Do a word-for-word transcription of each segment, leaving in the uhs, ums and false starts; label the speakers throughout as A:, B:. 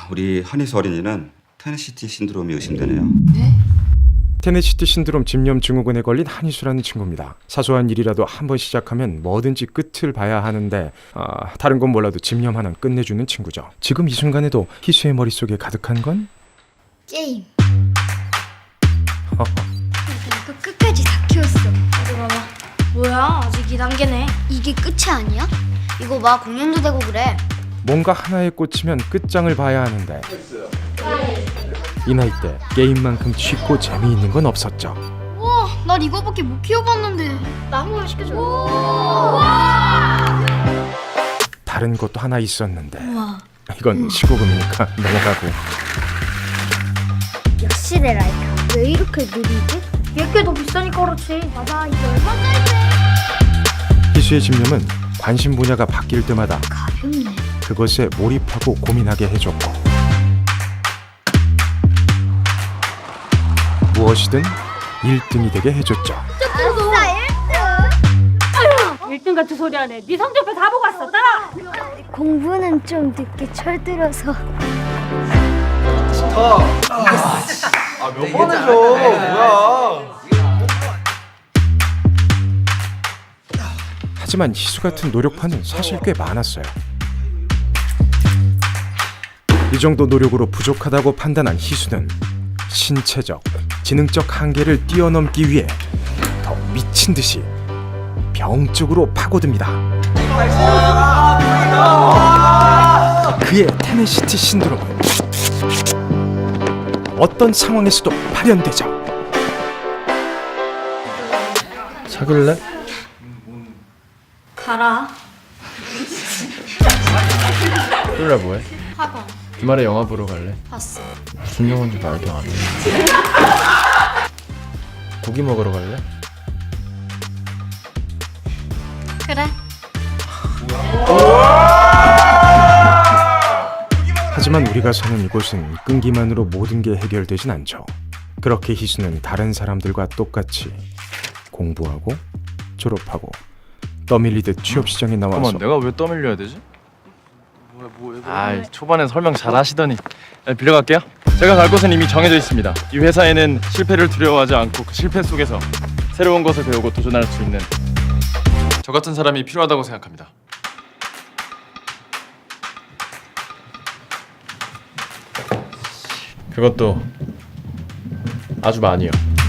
A: 우리 한희수 어린이는 테네시티 신드롬이 의심되네요.
B: 네?
C: 테네시티 신드롬 집념 증후군에 걸린 한희수라는 친구입니다. 사소한 일이라도 한번 시작하면 뭐든지 끝을 봐야 하는데 아, 다른 건 몰라도 집념 하나는 끝내주는 친구죠. 지금 이 순간에도 희수의 머릿속에 가득한 건
B: 게임. 이거 끝까지 다 키웠어.
D: 어디 봐봐. 뭐야, 아직 이 단계네.
B: 이게 끝이 아니야? 이거 봐, 공연도 되고 그래.
C: 뭔가 하나에 꽂히면 끝장을 봐야 하는데 이 나이 때 게임만큼 쉽고 재미있는 건 없었죠.
B: 와, 난 이거밖에 못 키워봤는데.
D: 나 한 번만 시켜줘.
C: 다른 것도 하나 있었는데
B: 우와.
C: 이건 십오금이니까 넘어가고.
B: 역시 내 라이카. 왜 이렇게 느리지?
D: 얘게 더 비싸니까 그렇지.
B: 맞아, 이게 얼마짜리래?
C: 희수의 집념은 관심 분야가 바뀔 때마다
B: 가볍네.
C: 그것에 몰입하고 고민하게 해줬고 무엇이든 일 등이 되게 해줬죠.
B: 아싸, 일 등!
D: 일 등 같은 소리 하네. 네 성적표 다 보고 왔어. 따라.
B: 공부는 좀 늦게 철들어서.
E: 몇 번을 줘? 뭐야?
C: 하지만 희수 같은 노력파는 사실 꽤 많았어요. 이 정도 노력으로 부족하다고 판단한 희수는 신체적, 지능적 한계를 뛰어넘기 위해 더 미친 듯이 병 쪽으로 파고듭니다. 그의 테네시티 신드롬은 어떤 상황에서도 발현되죠.
E: 사귈래?
D: 가라.
E: 사귈래 뭐해?
D: 학원.
E: 주말에 영화 보러 갈래?
D: 봤어.
E: 무슨 영화인지 말도 안 해. 고기 먹으러 갈래?
D: 그래.
C: 하지만 우리가 사는 이곳은 끈기만으로 모든 게 해결되진 않죠. 그렇게 희수는 다른 사람들과 똑같이 공부하고 졸업하고 떠밀리듯 취업 시장에 나와서
E: 잠깐만, 내가 왜 떠밀려야 되지? 아, 초반엔 설명 잘 하시더니. 네, 빌려갈게요. 제가 갈 곳은 이미 정해져 있습니다. 이 회사에는 실패를 두려워하지 않고 그 실패 속에서 새로운 것을 배우고 도전할 수 있는 저 같은 사람이 필요하다고 생각합니다. 그것도 아주 많이요.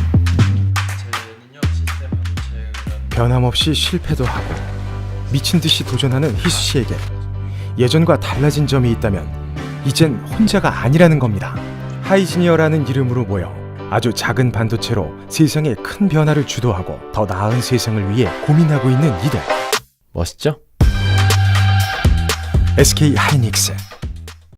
C: 변함없이 실패도 하고 미친 듯이 도전하는 희수 씨에게 예전과 달라진 점이 있다면 이젠 혼자가 아니라는 겁니다. 하이지니어라는 이름으로 모여 아주 작은 반도체로 세상에 큰 변화를 주도하고 더 나은 세상을 위해 고민하고 있는 이들.
E: 멋있죠?
C: 에스케이 하이닉스